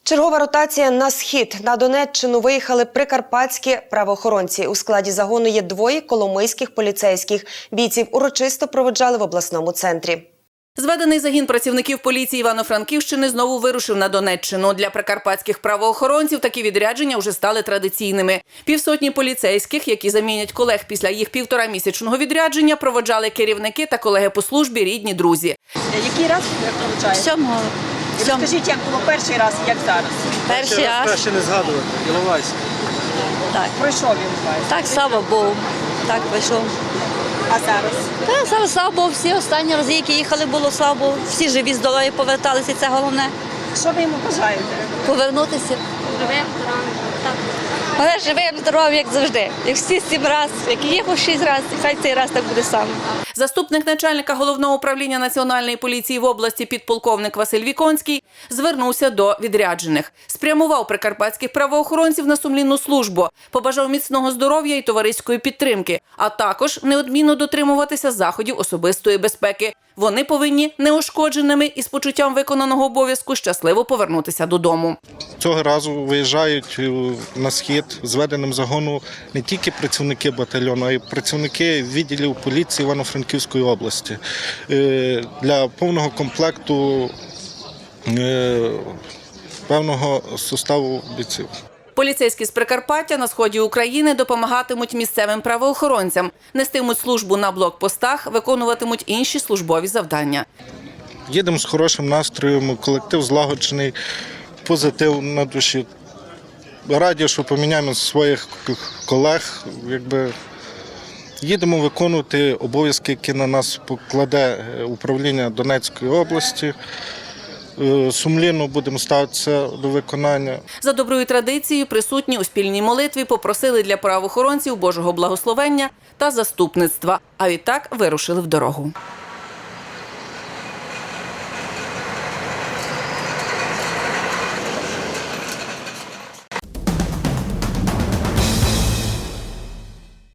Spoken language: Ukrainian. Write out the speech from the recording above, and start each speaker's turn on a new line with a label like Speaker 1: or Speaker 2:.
Speaker 1: Чергова ротація на схід. На Донеччину виїхали прикарпатські правоохоронці. У складі загону є двоє коломийських поліцейських. Бійців урочисто проводжали в обласному центрі.
Speaker 2: Зведений загін працівників поліції Івано-Франківщини знову вирушив на Донеччину. Для прикарпатських правоохоронців такі відрядження вже стали традиційними. Півсотні поліцейських, які замінять колег після їх півторамісячного відрядження, проводжали керівники та колеги по службі, рідні, друзі.
Speaker 3: Який раз ви проводжаєте?
Speaker 4: Сьомого.
Speaker 3: Розкажіть, як було перший раз, як зараз?
Speaker 4: Перший раз.
Speaker 5: Краще не згадувати, Іловайськ.
Speaker 4: Так.
Speaker 3: Пройшов він вас.
Speaker 4: Так, слава Богу. Так вийшов.
Speaker 3: А зараз?
Speaker 4: Та, зараз, слава Богу, всі останні рази, які їхали, було, слава Богу. Всі живі, здорові поверталися, це головне.
Speaker 3: Що ви йому бажаєте?
Speaker 4: Повернутися. Живим, здоровим. Так. Але живим, здоровим, як завжди. Як всі 7 разів, як їхав 6 разів, хай цей раз так буде саме.
Speaker 2: Заступник начальника Головного управління Національної поліції в області підполковник Василь Віконський звернувся до відряджених. Спрямував прикарпатських правоохоронців на сумлінну службу, побажав міцного здоров'я і товариської підтримки, а також неодмінно дотримуватися заходів особистої безпеки. Вони повинні неушкодженими і з почуттям виконаного обов'язку щасливо повернутися додому.
Speaker 5: Цього разу виїжджають на схід зведеним загону не тільки працівники батальйону, а й працівники відділів поліції Івано-Франківської області. Для повного комплекту певного составу бійців.
Speaker 2: Поліцейські з Прикарпаття на сході України допомагатимуть місцевим правоохоронцям, нестимуть службу на блокпостах, виконуватимуть інші службові завдання.
Speaker 5: Їдемо з хорошим настроєм, колектив злагоджений, позитив на душі. Раді, що поміняємо своїх колег. Їдемо виконувати обов'язки, які на нас покладе управління Донецької області. Сумлінно будемо ставитися до виконання.
Speaker 2: За доброю традицією присутні у спільній молитві попросили для правоохоронців Божого благословення та заступництва, а відтак вирушили в дорогу.